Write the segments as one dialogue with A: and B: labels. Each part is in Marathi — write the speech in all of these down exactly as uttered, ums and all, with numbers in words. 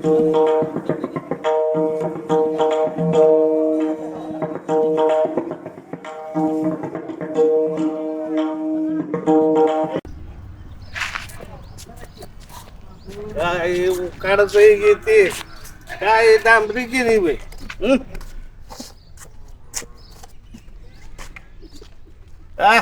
A: काय काढत घेते काय डांबरी केली बाई. आ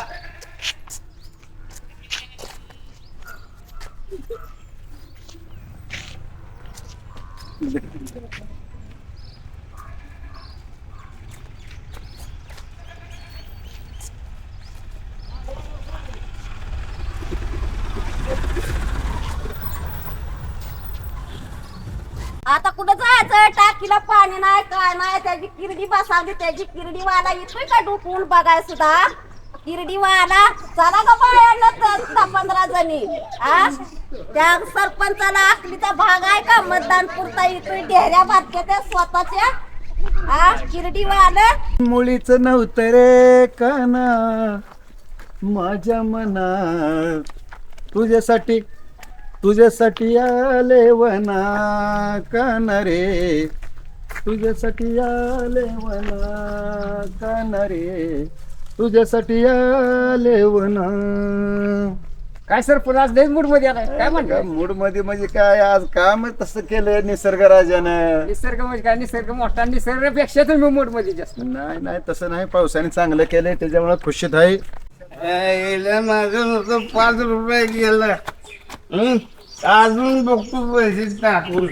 B: आता कुठं जायचं टाकीला पाणी नाही काय नाही त्याची किरडी बसावली त्याची किरडी वाला येतोय का डुकून बघाय सुद्धा किरडी वाला चला का बायांना दहा पंधरा जणी आ त्या सरपंचाला आखलीचा भाग आहे का मतदान पुरता येतोय डेऱ्या बारक्या त्या स्वतःच्या आ किरडी वाला
C: मुळीच नव्हतं रे काना माझ्या मनात तुझ्यासाठी तुझ्यासाठी आले वना काना रे तुझ्यासाठी आले वना काना रे तुझ्यासाठी आले वना.
D: काय सर पुन्हा आज लय मूड मध्ये आलाय काय म्हणतो?
C: मूड मध्ये म्हणजे काय आज काम तसं केलं निसर्ग राजानं.
D: निसर्ग म्हणजे काय निसर्ग मोठा निसर्गापेक्षा तुम्ही मूड मध्ये जास्त.
C: नाही नाही तसं नाही पावसाने चांगलं केलंय त्याच्यामुळे खुशीत आहे.
A: माझं नुसतं पाच रुपये गेलं हम्म अजून बघतो पैसे टाकून.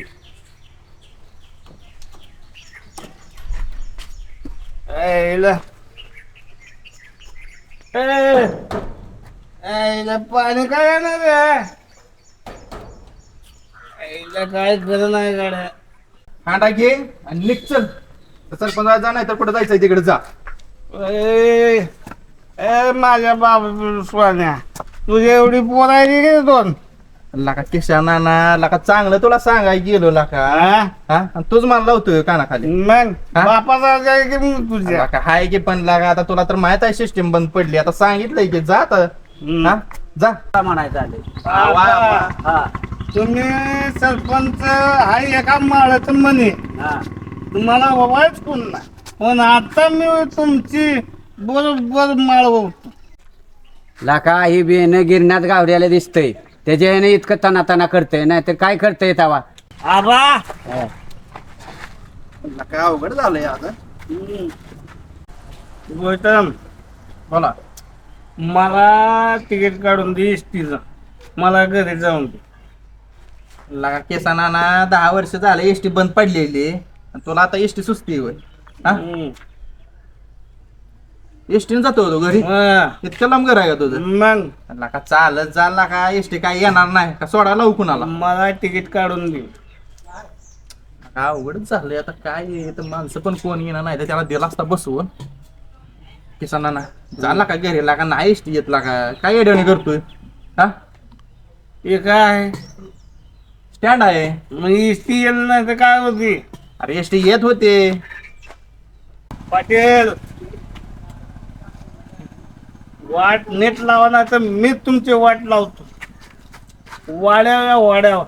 A: आईला आईला पाणी काय येणार रे आईला काय खरं नाही गाड्या.
E: हांडा घे आणि निघ चल. सरपंच जा नाही तर कुठं जायचंय तिकडे जा.
A: ए ए, माझ्या बाबा स्वान्या तुझी एवढी पोरायली गे दोन
E: लका किशा नाना लका चांगलं तुला सांगाय गेलो लका हा आणि तूच मला लावतोय कानाखाली.
A: मग
E: हा?
A: बापाचा काय की मग तुझ्या
E: लका हाय की पण लागा आता तुला तर माहित आहे सिस्टीम बंद पडली आता सांगितलंय की जा आता हा जा
D: म्हणायचं आले
A: बाबा, तुम्ही सरपंच हाय एका माळाचं म्हणे तुम्हाला बाबाच कोण नाही पण आता मी तुमची बरोबर माळ होतो.
D: लाका ही बेन गिरण्यात गावड्याला दिसतंय त्याच्या याने इतकं तना तना करतंय नाही तर काय करतंय तवा.
A: आबा
E: लका अवघड झालंय आता.
A: गौतम
E: बोला
A: मला तिकीट काढून दे एसटीचं मला घरी जाऊन दे.
E: लका केसा नाना दहा वर्ष झाले एसटी बंद पडलेली आणि तुला आता एसटी सुचती होय हा
A: हम्म.
E: एसटीने जातो तो घरी
A: हा.
E: इतकं लांब घर आहे का तुझं?
A: मग
E: लका चालत जा का एसटी काय येणार नाही का सोडा लावू कुणाला.
A: मला तिकीट काढून दे.
E: काय अवघडच झालंय आता काय आहे, तर माणसं पण कोण येणार नाही तर त्याला दिला असता बसवून किसाना ना झाला का घरी लागा नाही एसटी येत लागा काय येडवणी करतोय हा
A: हे काय
E: स्टँड आहे.
A: मग एसटी येईल नाही तर काय होती.
E: अरे एसटी येत होते.
A: पाटील वाट नेट लावा ना तर मी तुमची वाट लावतो वाड्या वाड्यावर.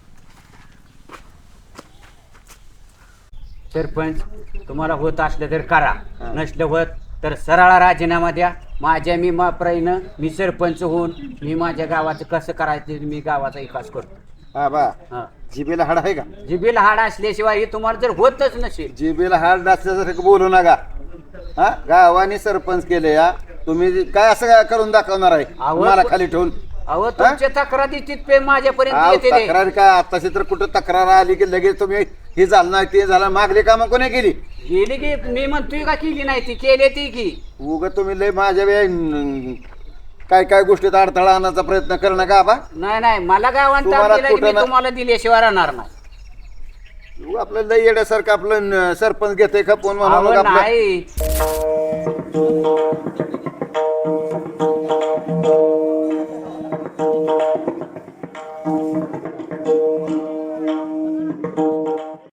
D: सरपंच तुम्हाला होत असलं तर करा नसलं होत तर सरळ राजीनामा द्या. माझ्या मी माप्राईनं मी सरपंच होऊन मी माझ्या गावाचं कसं करायचं मी गावाचा विकास करतो.
C: हा बा
D: हा
C: जिबेला हाड आहे का?
D: जिबीला हाड असल्याशिवाय हे तुम्हाला जर होतच नसेल
C: जिबेला हाड असल्यासारखं बोलू नका. हा गावाने सरपंच केले या तुम्ही काय असं काय करून दाखवणार आहे
D: अहो,
C: मला खाली ठेवून?
D: अहो तुमच्या तक्रारी तिथपे माझ्यापर्यंत
C: अहो,
D: येते रे.
C: तक्रार काय आताशी तर कुठं तक्रार आली की लगेच तुम्ही हे झालं नाही ते झालं मागली कामं कोणी केली?
D: गेली की मी म्हणतोय का केली नाही ती केली ती की
C: उग तुम्ही लय माझ्या वे- काय काय गोष्टीत अडथळा आणण्याचा प्रयत्न करू नका बा.
D: नाही नाही मला गावात
C: तुम्हाला
D: दिला की
C: कुठं
D: मी
C: ना-
D: तुम्हाला दिल्याशिवाय राहणार नाही.
C: उगा आपलं लय येण्यासारखं आपलं न- सरपंच घेतोय खपवून म्हणून
D: अहो
C: मग आपलं
D: नाही